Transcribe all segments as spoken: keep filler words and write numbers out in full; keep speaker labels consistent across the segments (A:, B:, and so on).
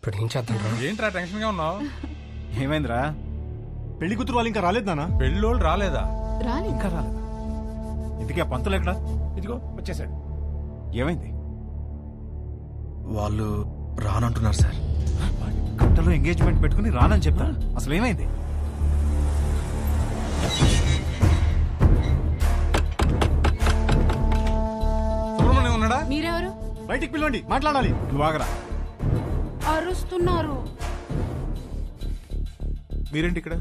A: ఇప్పుడు ఏం చేద్దాం రా?
B: ఏంట్రా టెన్షన్ గా ఉన్నావు?
C: ఏమైందిరా?
D: పెళ్లి కూతురు వాళ్ళు ఇంకా రాలేదు నాన్న.
B: పెళ్ళోళ్ళు రాలేదా?
E: రాని
C: ఇంకా రాలేదా? ఇంతకీ ఆ పంతులు ఎక్కడా?
B: ఇదిగో వచ్చేసాడు.
C: ఏమైంది?
A: వాళ్ళు రానంటున్నారు సార్.
C: గంటలో ఎంగేజ్మెంట్ పెట్టుకుని రానని చెప్తా. అసలు ఏమైంది?
B: సుబ్రహ్మణ్యం ఉన్నాడా?
E: మీరెవరు?
D: బయటికి పిలవండి, మాట్లాడాలి.
C: నువ్వు ఆగరా.
E: అరుస్తున్నారు.
F: మీరేంటి ఇక్కడ?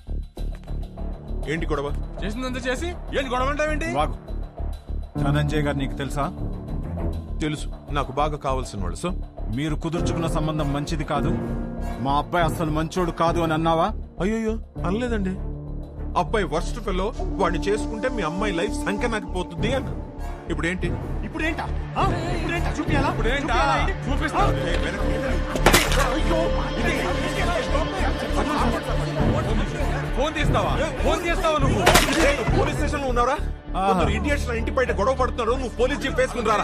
F: ఏంటి గొడవ?
B: చేసిందంతా చేసి ఏంటి గొడవ అంటావేంటి?
C: నువ్వు ఆగు. ధనంజయ్ గారు నీకు తెలుసా?
F: తెలుసు, నాకు బాగా కావాల్సిన వాళ్ళు. సో
C: మీరు కుదుర్చుకున్న సంబంధం మంచిది కాదు, మా అబ్బాయి అసలు మంచోడు కాదు అని అన్నావా?
F: అయ్యో అనలేదండి. అబ్బాయి వర్స్ట్ ఫెలో, వాడిని చేసుకుంటే మీ అమ్మాయి లైఫ్ సంఖ్య పోతుంది అన్న. ఇప్పుడు ఏంటి?
D: ఇప్పుడు ఏంటా? ఆ? ఇప్పుడు ఏంటా? చూపియాలా?
B: ఇప్పుడు ఏంటా? చూపిస్తా. ఫోన్ తీస్తావా? ఫోన్ తీస్తావా నువ్వు?
F: పోలీస్ స్టేషన్ లో ఉన్నారా? కొందరు ఇడియట్స్ నా ఇంటి బయట గొడవ పడుతున్నారు, నువ్వు పోలీస్ జీప్ వేసుకుని రారా.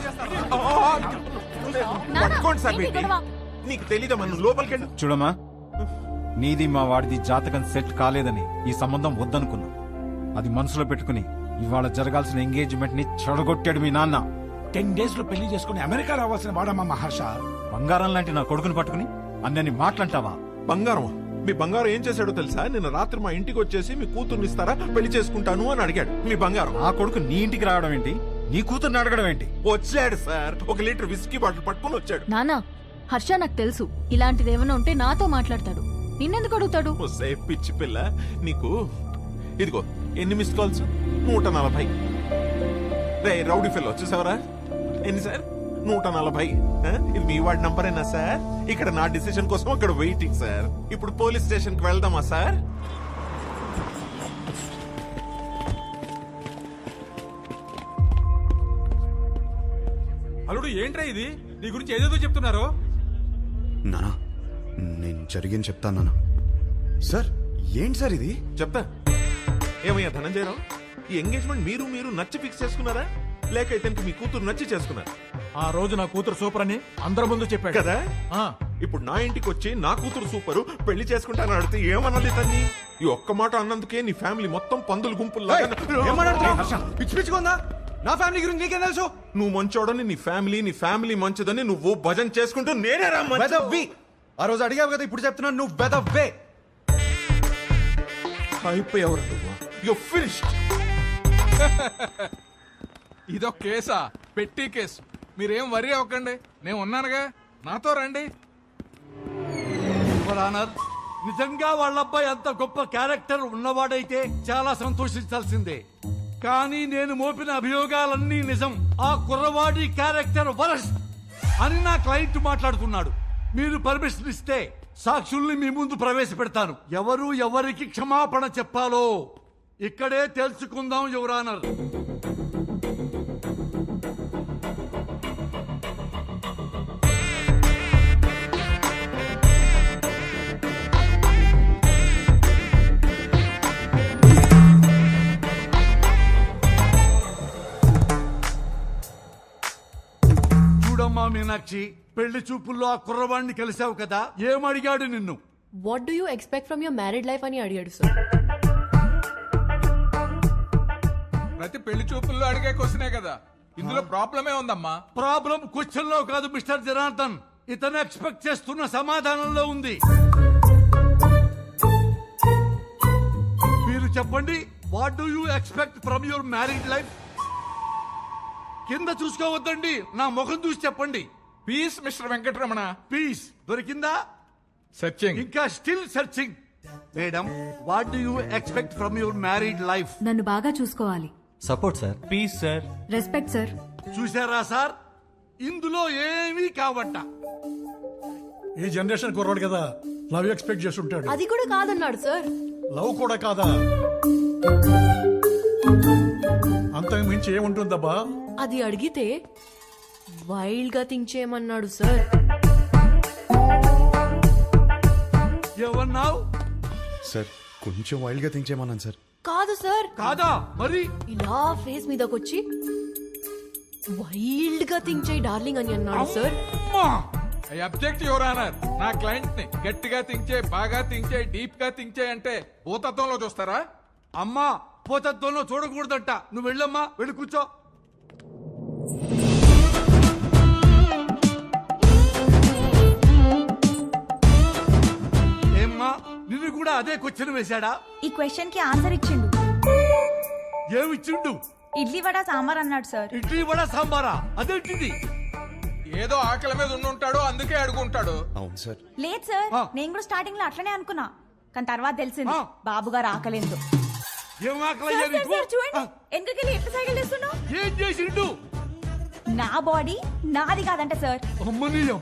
F: పట్టుకోండి సార్ వీటిని. నీకు తెలీదా మనం లోపలికి వెళ్ళి?
C: చూడమ్మా, నీది మా వాడిది జాతకం సెట్ కాలేదని ఈ సంబంధం వద్దనుకున్నా. అది మనసులో పెట్టుకుని ఇవాళ జరగాల్సిన ఎంగేజ్మెంట్ ని చెడగొట్టాడు మీ నాన్న.
G: టెన్ డేస్ లో పెళ్లి చేసుకుని అమెరికా రావాల్సిన వాడమ్మా మహర్ష.
C: బంగారం లాంటి నా కొడుకుని పట్టుకుని అన్నని మాట్లాంటావా?
F: బంగారం? మీ బంగారం ఏం చేశాడో తెలుసా? నిన్న రాత్రి మా ఇంటికి వచ్చేసి మీ కూతుర్ని ఇస్తారా, పెళ్లి చేసుకుంటాను అని అడిగాడు. మీ బంగారం.
C: ఆ కొడుకు నీ ఇంటికి రావడం ఏంటి? నీ కూతుర్ని అడగడం ఏంటి?
F: వచ్చాడు సార్, ఒక లీటర్ విస్కీ బాటిల్ పట్టుకుని వచ్చాడు.
H: నానా, హర్ష నాకు తెలుసు ఇలాంటిది ఏమైనా ఉంటే నాతో మాట్లాడతాడు, నిన్నెందుకు అడుగుతాడు?
F: వస్తే పిచ్చి పిల్ల నీకు. ఇదిగో ఎన్ని మిస్ కాల్స్? నూట నలభై. రే రౌడీ ఫెల్లో చూసావరా? ఎన్ని సార్? నూట నలభై. ఇది మీ వాడి నంబరేనా సార్? ఇక్కడ నా డిసిషన్ కోసం అక్కడ వెయిటింగ్ సార్. ఇప్పుడు పోలీస్ స్టేషన్ కి వెళ్దామా సార్?
B: అల్లుడు ఏంట్రా ఇది? నీ గురించి ఏదేదో చెప్తున్నారు.
I: నానా, నేను జరిగింది చెప్తాను నానా. సార్ ఏంటి సార్ ఇది?
F: చెప్తా. ఏమయ్యా ధనంజయరావు, ఈ ఎంగేజ్మెంట్ మీరు మీరు నచ్చి ఫిక్స్ చేసుకున్నారా, లేక ఇతనికి మీ కూతురు నచ్చి చేసుకున్నారా?
G: ఆ రోజు నా కూతురు సూపర్ అని అందరి ముందు చెప్పాడు
F: కదా.
G: ఆ,
F: ఇప్పుడు నా ఇంటికి వచ్చి నా కూతురు సూపరు, పెళ్లి చేసుకుంటాను అడిగితే ఏమన్నది తన్ని? ఈ ఒక్క మాట అన్నందుకే నీ ఫ్యామిలీ మొత్తం పందులు గుంపులు.
D: పిచ్చి పిచ్చుకుందా? నా ఫ్యామిలీ గురించి నీకేం తెలుసు?
F: నువ్వు మంచోడని నీ ఫ్యామిలీ, నీ ఫ్యామిలీ మంచిదని నువ్వు భజన చేసుకుంటూ నేనే రా మంచి-
D: వెదవ్వి. ఆ రోజు అడిగావు కదా, ఇప్పుడు చెప్తున్నాను నువ్వు వెదవ్వే.
F: అయిపోయావు నువ్వు. You're finished.
B: ఇదో కేసా? పెట్టి కేసు. మీరేం వరి అవ్వకండి, నేను ఉన్నానుగా, నాతో రండి.
G: యువర్ ఆనర్, నిజంగా వాళ్ళ అబ్బాయి అంత గొప్ప క్యారెక్టర్ ఉన్నవాడైతే చాలా సంతోషించాల్సిందే. కానీ నేను మోపిన అభియోగాలన్నీ నిజం. ఆ కుర్రవాడి క్యారెక్టర్ వరస్ట్ అని నా క్లయింట్ మాట్లాడుతున్నాడు. మీరు పర్మిషన్ ఇస్తే సాక్షుల్ని మీ ముందు ప్రవేశపెడతాను. ఎవరు ఎవరికి క్షమాపణ చెప్పాలో ఇక్కడే తెలుసుకుందాం యువర్ ఆనర్. చూడమ్మా మీనాక్షి, పెళ్లి చూపుల్లో ఆ కుర్రవాణ్ణి కలిసావు కదా, ఏమడిగాడు నిన్ను?
E: What do you expect from your married life అని అడిగాడు సార్.
B: ప్రతి పెళ్లి చూపుల్లో అడిగే క్వశ్చనే కదా, ఇందులో ప్రాబ్లమే ఉందమ్మా.
G: ప్రాబ్లం క్వశ్చన్ లో కాదు మిస్టర్ జనార్దన్, ఇతను ఎక్స్పెక్ట్ చేస్తున్న సమాధానంలో ఉంది. మీరు చెప్పండి, what do you expect from your married life? కింద చూసుకోవద్దండి, నా ముఖం చూసి చెప్పండి.
B: Peace mister Venkataramana.
G: పీస్ దొరికిందా?
B: సర్చింగ్.
G: ఇంకా still searching. Madam, what do you expect from your married life?
H: నన్ను బాగా చూసుకోవాలి.
A: Support sir.
C: Please sir.
H: Respect sir.
G: చూసారా సార్, ఇందులో ఏమీ కావట్ట.
J: ఈ జనరేషన్ కుర్రాడు కదా, లవ్ ఎక్స్పెక్ట్ చేసి ఉంటాడు.
E: అది కూడా కాదన్నాడు సార్.
J: లవ్ కూడా కాదా? అంతకు మించి ఏముంటుందబ్బా?
E: అది అడిగితే వైల్డ్ గా థింక్ చేయమన్నాడు సార్.
G: ఏమన్నావు?
I: సార్ కొంచెం వైల్డ్ గా థింక్ చేయమన్నాను సార్.
E: కాదు సార్.
G: కాదా మరి?
E: ఇలా ఫేస్ మీదకొచ్చి వైల్డ్ గా థింక్ చేయి డార్లింగ్ అని అన్నాడు సార్.
G: అమ్మా!
B: I object your honour. నా క్లయింట్ ని గట్టిగా థింక్ చేయి, బాగా థింక్ చేయి, డీప్ గా థింక్ చేయి అంటే భూతత్వంలో చూస్తారా?
G: అమ్మా పోతత్వంలో చూడకూడదంట. నువ్వు వెళ్ళమ్మా, వెళ్ళి కూర్చో. ఏమ్మా నిన్ను కూడా అదే క్వశ్చన్ వేశాడా?
K: ఈ క్వశ్చన్ కి ఆన్సర్ ఇచ్చిండు.
G: ఏమిచ్చిండు?
K: ఇడ్లీ వడ సాంబార్ అన్నాడు సార్.
G: ఇడ్లీ వడ సాంబారా? అదేంటిది?
B: ఏదో ఆకలి మీద ఉండుంటాడు, అందుకే అడుగుంటాడు.
I: అవును సార్.
K: లేదు సార్,
G: ఆ.
K: నేను కూడా స్టార్టింగ్ లో అట్లనే అనుకున్నా, కానీ తర్వాత తెలిసింది
G: ఆ.
K: బాబు గారు ఆకలేదు.
G: ఏం ఆకలయ్యా నీకు?
K: చూడండి
G: ఆ,
K: ఎందుకెళ్ళి ఎట్లా సైకిల్ చేస్తున్నావు.
G: ఏం చేసిండు?
K: నా బాడీ నాది కాదంట సార్,
G: అమ్మనీయం.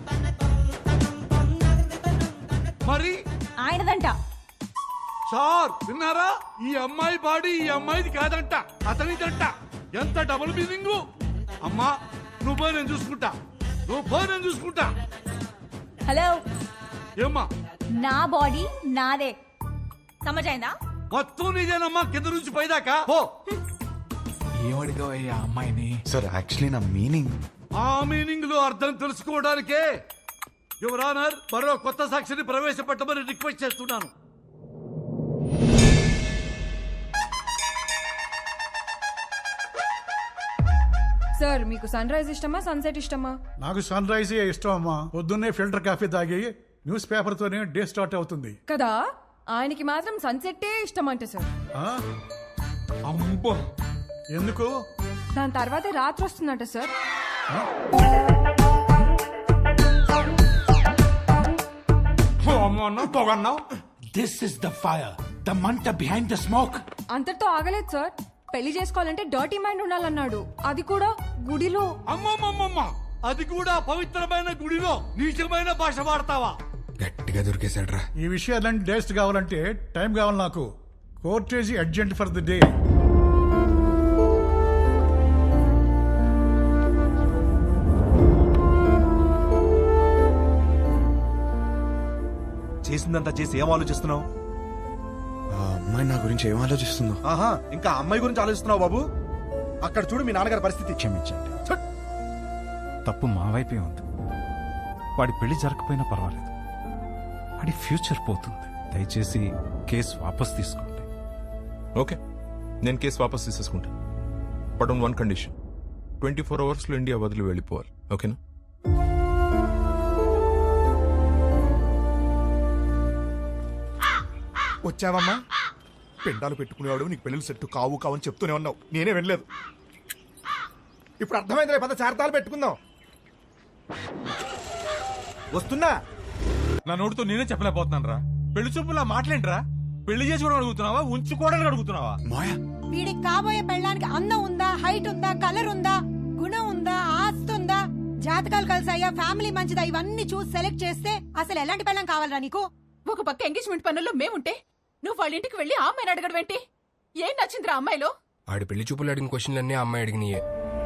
G: మరి
K: ఆయనదంట.
G: సార్ విన్నారా? ఈ అమ్మాయి బాడీ ఈ అమ్మాయిది కాదంట, అతనిదంట. ఎంత డబుల్ మీనింగ్. అమ్మా నువ్వు పోయి నేను చూసుకుంటా, నువ్వు పోయి నేను చూసుకుంటా.
K: హలో,
G: ఏమ్మా
K: నా బాడీ నాదే, సమజైందా?
G: మొత్తం నీదేనమ్మా, కింద నుంచి పైదాకా పో.
B: ఏమడిగావయ్యా అమ్మాయిని?
I: సార్ యాక్చువల్లీ నా మీనింగ్.
G: ఆ మీనింగ్ లో అర్థం తెలుసుకోవడానికే యువర్ ఆనర్ మరో కొత్త సాక్షిని ప్రవేశపెట్టమని రిక్వెస్ట్ చేస్తున్నాను.
E: సార్ మీకు సన్ రైజ్ ఇష్టమా సన్సెట్ ఇష్టమా?
J: నాకు సన్ రైజే ఇష్టం అమ్మా. పొద్దున్నే ఫిల్టర్ కాఫీ తాగి న్యూస్ పేపర్ తోనే డే స్టార్ట్ అవుతుంది
E: కదా, ఆయనకి మాత్రం సన్సెట్టే ఇష్టం అంట సార్.
J: ఆ?
B: అమ్మో,
J: ఎందుకు?
E: దాని తర్వాతే రాత్రి వస్తుందంట sir.
G: This is the fire, the మంట బిహైండ్ ద స్మోక్.
E: అంతటితో ఆగలేదు సార్, పెళ్లి చేసుకోవాలంటే డర్టీ మైండ్ ఉండాలన్నాడు, అది కూడా గుడిలో.
G: అమ్మమ్మమ్మమ్మ, అది కూడా పవిత్రమైన గుడిలో నీచమైన భాష వాడతావా?
I: గట్టిగా దొరికేశాడు రా.
J: ఈ విషయాలన్నీ డేస్ట్ కావాలంటే టైం కావాలి నాకు. Court adjourned for the day.
A: చేసిందంతా చేసి ఏం ఆలోచిస్తున్నావు?
I: ఆ అమ్మాయి నా గురించి ఏం ఆలోచిస్తుందో.
A: ఆహా, ఇంకా అమ్మాయి గురించి ఆలోచిస్తున్నావు బాబు? అక్కడ చూడు మీ నాన్నగారి పరిస్థితి.
C: క్షమించండి, తప్పు మా వైపే ఉంది. వాడి పెళ్లి జరగకపోయినా పర్వాలేదు, వాడి ఫ్యూచర్ పోతుంది. దయచేసి కేసు వాపస్ తీసుకోండి.
F: ఓకే, నేను కేసు వాపస్ తీసేసుకుంటా. But on one condition, twenty four hours లో ఇండియా వదిలి వెళ్ళిపోవాలి. ఓకేనా?
A: వచ్చావమ్మా? పెండాలు పెట్టుకునేవాడు నీకు పెళ్ళిళ్ళు సెట్టు కావు కావు అని చెప్తూనే ఉన్నావు, నేనే వెళ్ళలేదు. ఇప్పుడు అర్థమైంది, పద చార్తాలు పెట్టుకుందాం. వస్తున్నా.
D: నా నోటితో నేనే చెప్పలేకపోతున్నాను రా. పెళ్లి చూపులా మాట్లాడరా? పెళ్లి చేసుకోవడం అడుగుతున్నావా, ఉంచుకోవడానికి అడుగుతున్నావా?
I: మాయా,
K: వీడికి కాబోయే పెళ్ళానికి అందం ఉందా, హైట్ ఉందా, కలర్ ఉందా, గుణం ఉందా, ఆస్తి ఉందా, జాతకాలు కలిసాయా, ఫ్యామిలీ మంచిదా, ఇవన్నీ చూసి సెలెక్ట్ చేస్తే అసలు ఎలాంటి పెళ్ళం కావాలరా నీకు?
H: ఒక పక్క ఎంగేజ్మెంట్ పనుల్లో మేముంటే నువ్వు వాళ్ళ ఇంటికి వెళ్ళి ఆ అమ్మాయిని అడగడం ఏంటి? ఏం నచ్చిందిరా అమ్మాయిలో?
L: ఆడి పెళ్లి చూపులు అడిగిన క్వశ్చన్లన్నీ ఆ అమ్మాయి అడిగినాయే.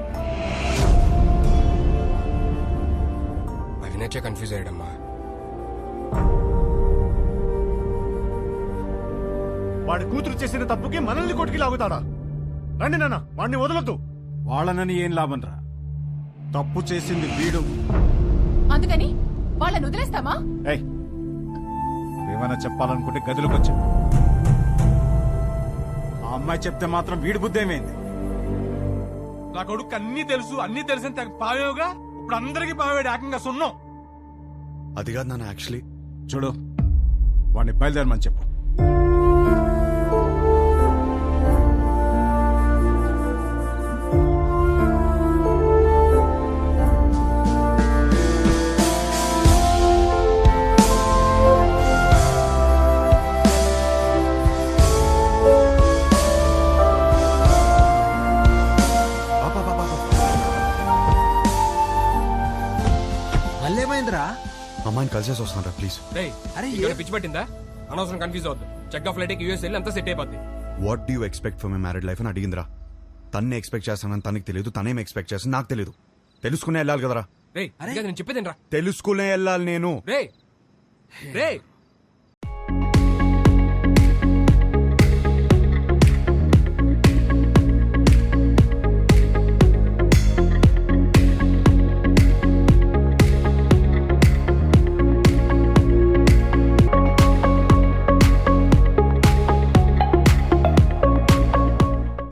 L: అవి నచ్చే కన్ఫ్యూజ్ అయ్యాడమ్మా.
A: వాడి కూతురు చేసిన తప్పుకి మనల్ని కొట్టుకి లాగుతాడా? రండి నాన్న, వాడిని వదలొద్దు.
C: వాళ్ళనని ఏం లాభం రా, తప్పు చేసింది వీడు.
H: అందుకని వాళ్ళని వదిలేస్తామా?
C: ఏయ్, ఏమైనా చెప్పాలనుకుంటే గదిలోకి వచ్చా. ఆ అమ్మాయి చెప్తే మాత్రం వీడి బుద్ధి ఏమైంది?
D: నా కొడుకు అన్ని తెలుసు, అన్ని తెలిసిన తెగ పావేవుగా ఇప్పుడు అందరికి పావేడు ఏకంగా సున్నం.
I: అది కాదు నాన్న, యాక్చువల్లీ
C: చూడు, వాడిని బయలుదేరమని చెప్పు.
I: అమ్మాయిని కలిసేసి వస్తాను ప్లీజ్.
L: పిచ్చి పట్టిందా? అనవసరం కన్ఫ్యూజ్ అవుద్దు. చెక్ ఆఫ్ ఫ్లైట్ యూఎస్ వెళ్ళి అంతా సెట్ అయిపోద్ది.
I: What do you expect for my married life అని అడిగిందిరా. తన్నే ఎక్స్పెక్ట్ చేస్తానని తనకి తెలియదు, తనేం ఎక్స్పెక్ట్ చేస్తాను నాకు తెలియదు. తెలుసుకునే వెళ్ళాలి కదరా.
L: రే నేను చెప్పేదేనరా,
I: తెలుసుకునే వెళ్ళాలి నేను.
L: రే రే